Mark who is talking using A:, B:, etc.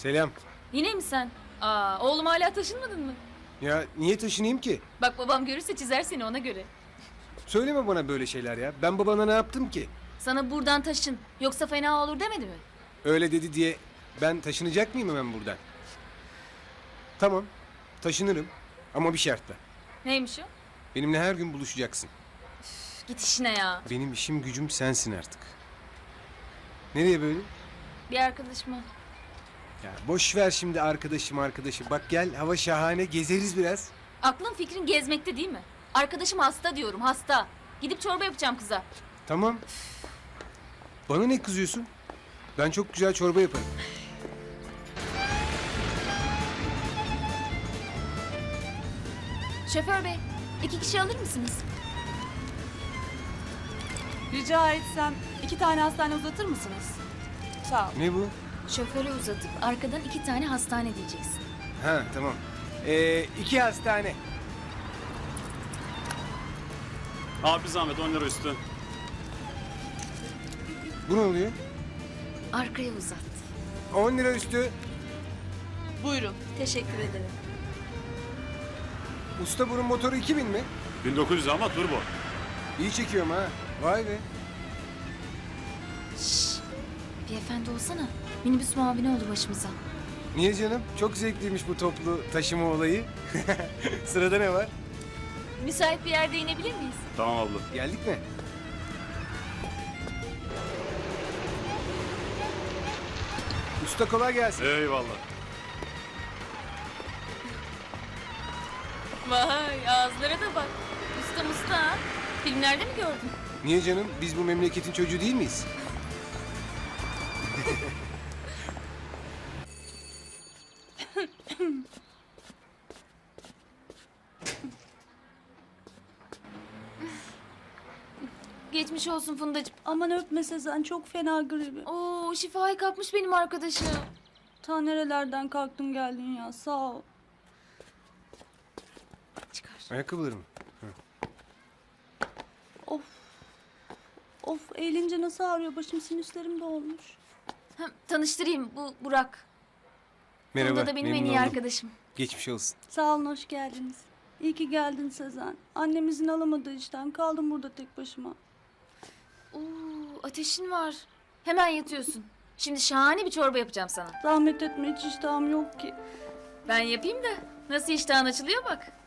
A: Selam.
B: Yine mi sen? Aa, oğlum hala taşınmadın mı?
A: Ya niye taşınayım ki?
B: Bak babam görürse çizer seni ona göre.
A: Söyleme bana böyle şeyler ya. Ben babana ne yaptım ki?
B: Sana buradan taşın yoksa fena olur demedi mi?
A: Öyle dedi diye ben taşınacak mıyım hemen buradan? Tamam. Taşınırım. Ama bir şartla.
B: Neymiş o?
A: Benimle her gün buluşacaksın.
B: Üf, git işine ya.
A: Benim işim gücüm sensin artık. Nereye böyle?
B: Bir arkadaşıma.
A: Ya boş ver şimdi arkadaşım. Bak gel hava şahane gezeriz biraz.
B: Aklın fikrin gezmekte değil mi? Arkadaşım hasta diyorum hasta. Gidip çorba yapacağım kıza.
A: Tamam. Bana ne kızıyorsun? Ben çok güzel çorba yaparım.
B: Şoför bey 2 kişi alır mısınız?
C: Rica etsem 2 tane hastane uzatır mısınız? Sağ ol.
A: Ne bu?
B: Şoföre uzatıp arkadan 2 tane hastane diyeceksin.
A: Ha tamam. 2 hastane.
D: Abi zahmet 10 lira üstü.
A: Bu ne oluyor?
B: Arkaya uzat.
A: 10 lira üstü.
C: Buyurun.
B: Teşekkür ederim.
A: Usta bunun motoru 2000 mi?
D: 1900 ama turbo.
A: İyi çekiyorum ha. Vay be.
B: Şşş. Bir efendi olsana. Minibüs muavini oldu başımıza.
A: Niye canım? Çok zevkliymiş bu toplu taşıma olayı. Sırada ne var?
B: Müsait bir yerde inebilir miyiz?
D: Tamam abla.
A: Geldik mi? Usta kolay gelsin.
D: Eyvallah.
B: Vay ağızlara da bak. Usta musta ha. Filmlerde mi gördün?
A: Niye canım? Biz bu memleketin çocuğu değil miyiz?
B: Geçmiş olsun Fundacığım.
C: Aman öpme Sezen, çok fena gribi.
B: Oo şifayı kapmış benim arkadaşım.
C: Ta nerelerden kalktın geldin ya, sağ ol.
B: Çıkar.
A: Ayakkabılarım.
C: Of. Of, eğilince nasıl ağrıyor, başım sinüslerim de olmuş.
B: Ha, tanıştırayım bu Burak.
A: Merhaba.
B: Funda da benim en
A: memnun
B: iyi
A: oldum.
B: arkadaşım.
A: Geçmiş olsun.
C: Sağ olun, hoş geldiniz. İyi ki geldin Sezen. Annem izin alamadığı işten kaldım burada tek başıma.
B: Oo ateşin var. Hemen yatıyorsun. Şimdi şahane bir çorba yapacağım sana.
C: Zahmet etme, hiç iştahım yok ki.
B: Ben yapayım da nasıl iştahın açılıyor bak.